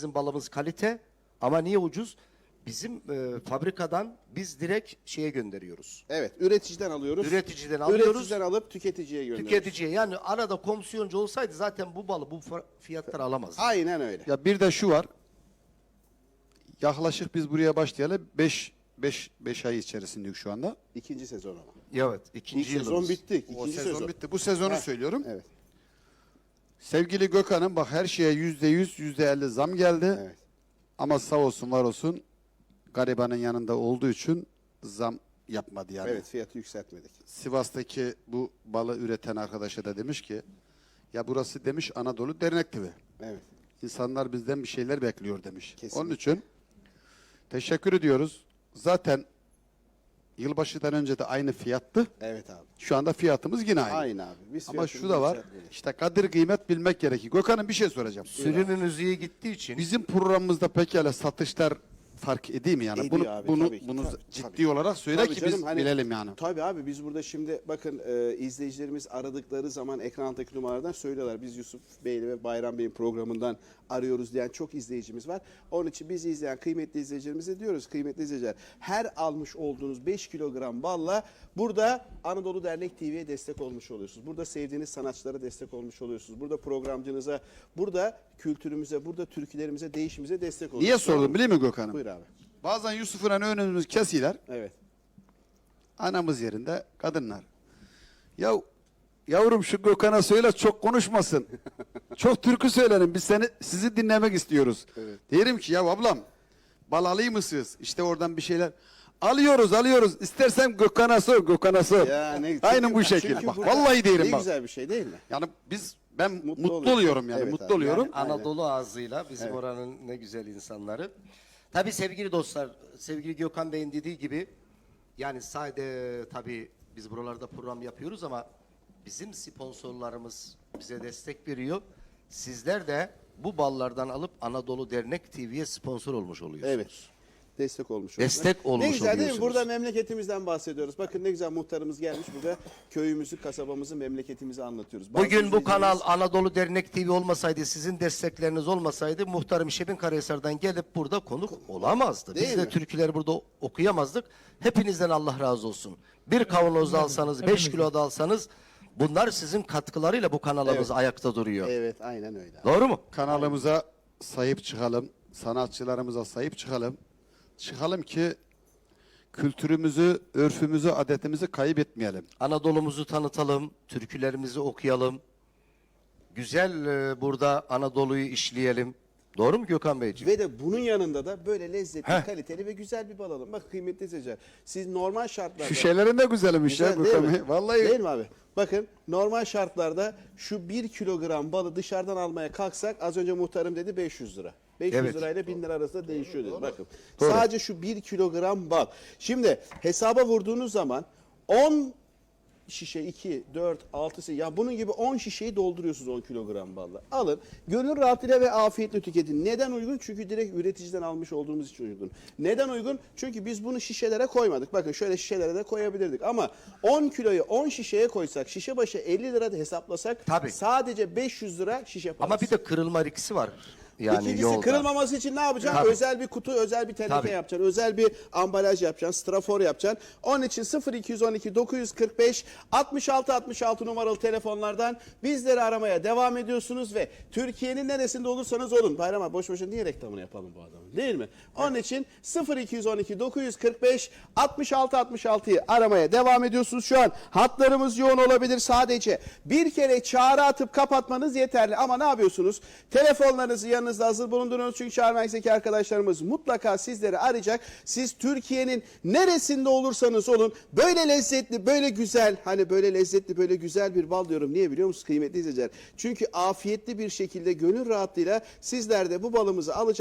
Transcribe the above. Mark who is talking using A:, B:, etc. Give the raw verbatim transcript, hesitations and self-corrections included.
A: Bizim balımız kalite ama niye ucuz? Bizim e, fabrikadan biz direkt şeye gönderiyoruz.
B: Evet, üreticiden alıyoruz.
A: Üreticiden alıyoruz.
B: Üreticiden alıp tüketiciye gönderiyoruz.
A: Tüketiciye, yani arada komisyoncu olsaydı zaten bu balı bu fa- fiyatlara alamazdık.
B: Aynen öyle.
C: Ya bir de şu var. Yaklaşık biz buraya başlayalı beş beş beş ay içerisindeyiz şu anda.
B: İkinci sezon ama.
A: Evet, ikinci
B: İlk sezon
A: yılımız.
B: bitti.
C: O
B: İkinci
C: sezon,
B: sezon.
C: bitti. Bu sezonu
B: Ha,
C: söylüyorum.
B: Evet.
C: Sevgili Gökhan'ım bak her şeye yüzde yüz, yüzde elli zam geldi.
B: Evet.
C: Ama sağ olsun var olsun garibanın yanında olduğu için zam yapmadı yani.
B: Evet, fiyatı yükseltmedik.
C: Sivas'taki bu balı üreten arkadaşa da demiş ki ya burası demiş Anadolu Dernek T V.
B: Evet.
C: İnsanlar bizden bir şeyler bekliyor demiş.
B: Kesinlikle.
C: Onun için teşekkür ediyoruz. Zaten yılbaşından önce de aynı fiyattı.
B: Evet abi.
C: Şu anda fiyatımız yine aynı.
B: Aynı abi. Biz
C: Ama
B: fiyatımızı
C: şu da var.
B: yükseltmedik.
C: İşte kadir kıymet bilmek gerekiyor. Gökhan'ım bir şey soracağım.
A: Sürünün iyi gittiği için
C: Bizim programımızda pekala satışlar fark edeyim mi yani?
B: Ediyor
C: bunu
B: abi,
C: bunu
B: tabii ki,
C: bunu
B: tabii,
C: ciddi
B: tabii.
C: olarak söyle
B: Tabii
C: ki
B: canım,
C: biz
B: hani-
C: bilelim yani.
B: Tabii abi biz burada şimdi bakın e, izleyicilerimiz aradıkları zaman ekrandaki numaralardan söylüyorlar. Biz Yusuf Bey'le ve Bayram Bey'in programından arıyoruz diyen çok izleyicimiz var. Onun için bizi izleyen kıymetli izleyicilerimize diyoruz. Kıymetli izleyiciler, her almış olduğunuz beş kilogram balla burada Anadolu Dernek T V'ye destek olmuş oluyorsunuz. Burada sevdiğiniz sanatçılara destek olmuş oluyorsunuz. Burada programcınıza, burada kültürümüze, burada türkülerimize, değişimize destek oluyorsunuz.
C: Niye sordum biliyor musun Gökhan'ım?
B: Buyur abi.
C: Bazen Yusuf'un önümüz kesiler.
B: Evet.
C: Anamız yerinde kadınlar. Ya yavrum şu Gökhan'a söyle çok konuşmasın. Çok türkü söylerim. Biz seni sizi dinlemek istiyoruz.
B: Evet.
C: Diyelim ki ya ablam bal alayım mısınız? İşte oradan bir şeyler. Alıyoruz alıyoruz. İstersen Gökhan'a sor Gökhan'a sor.
B: Ya ne-
C: Aynen
B: çünkü-
C: bu şekilde.
B: çünkü
C: Bak
B: burada
C: vallahi diyelim
B: ne
C: bak.
B: güzel bir şey değil mi?
C: Yani biz ben mutlu,
B: Mutlu oluyorsun.
C: oluyorum yani
B: Evet
C: mutlu
B: abi.
C: oluyorum.
B: Yani- Aynen.
A: Anadolu ağzıyla bizim
B: Evet.
A: oranın ne güzel insanları. Tabii sevgili dostlar, sevgili Gökhan Bey'in dediği gibi yani sadece tabii biz buralarda program yapıyoruz ama bizim sponsorlarımız bize destek veriyor. Sizler de bu ballardan alıp Anadolu Dernek T V'ye sponsor olmuş oluyorsunuz.
B: Evet. Destek olmuş.
A: Destek
B: oldular.
A: olmuş
B: Ne güzel değil mi?
A: oluyorsunuz.
B: Burada memleketimizden bahsediyoruz. Bakın ne güzel muhtarımız gelmiş burada. Köyümüzü, kasabamızı, memleketimizi anlatıyoruz. Bazı
A: Bugün bu kanal
B: izleyicilerimiz-
A: Anadolu Dernek T V olmasaydı, sizin destekleriniz olmasaydı muhtarım Şebin Karahisar'dan gelip burada konuk olamazdı.
B: Değil
A: Biz de
B: mi?
A: türküleri burada okuyamazdık. Hepinizden Allah razı olsun. Bir kavanoz da alsanız, beş kilo da alsanız bunlar sizin katkılarıyla bu kanalımız
B: Evet.
A: ayakta duruyor.
B: Evet, aynen öyle.
A: Doğru mu?
C: Kanalımıza sahip çıkalım. Sanatçılarımıza sahip çıkalım. Çıkalım ki kültürümüzü, örfümüzü, adetimizi kaybetmeyelim.
A: Anadolu'muzu tanıtalım, türkülerimizi okuyalım. Güzel e, burada Anadolu'yu işleyelim. Doğru mu Gökhan Beyciğim?
B: Ve de bunun yanında da böyle lezzetli,
A: Heh.
B: kaliteli ve güzel bir bal alın. Bak kıymetli izleyiciler. Siz normal şartlarda...
C: Şu şeylerin de güzelmiş ya
B: Güzel değil
C: Gökhan
B: mi?
C: Bey. Vallahi
B: Değil mi abi? Bakın normal şartlarda şu bir kilogram balı dışarıdan almaya kalksak az önce muhtarım dedi beş yüz lira. beş yüz
A: Evet.
B: lirayla bin lira arasında değişiyor dedi. Bakın
A: Doğru.
B: sadece şu bir kilogram bal. Şimdi hesaba vurduğunuz zaman on şişe iki, dört, altı, ya bunun gibi on şişeyi dolduruyorsunuz on kilogram balla. Alın. Gönül rahatlığıyla ve afiyetle tüketin. Neden uygun? Çünkü direkt üreticiden almış olduğumuz için uygun. Neden uygun? Çünkü biz bunu şişelere koymadık. Bakın şöyle şişelere de koyabilirdik. Ama on kiloyu on şişeye koysak, şişe başı elli lira da hesaplasak
A: Tabii.
B: sadece beş yüz lira şişe parası.
A: Ama bir de kırılma riski var. Yani
B: İkincisi
A: yolda.
B: kırılmaması için ne yapacaksın?
A: Tabii.
B: Özel bir kutu, özel bir teneke
A: Tabii.
B: yapacaksın. Özel bir ambalaj yapacaksın. Strafor yapacaksın. Onun için sıfır iki on iki dokuz yüz kırk beş altmış altı altmış altı numaralı telefonlardan bizleri aramaya devam ediyorsunuz ve Türkiye'nin neresinde olursanız olun. Bayram abi boş boşuna niye reklamını yapalım bu adamın? Değil mi? Onun için sıfır iki on iki dokuz yüz kırk beş altmış altı altmış altıyı aramaya devam ediyorsunuz. Şu an hatlarımız yoğun olabilir sadece. Bir kere çağrı atıp kapatmanız yeterli. Ama ne yapıyorsunuz? Telefonlarınızı yanınızda hazır bulundurunuz. Çünkü çağrı merkezindeki arkadaşlarımız mutlaka sizleri arayacak. Siz Türkiye'nin neresinde olursanız olun böyle lezzetli, böyle güzel, hani böyle lezzetli, böyle güzel bir bal diyorum. Niye biliyor musunuz kıymetli izleyiciler? Çünkü afiyetli bir şekilde gönül rahatlığıyla sizler de bu balımızı alacaksınız.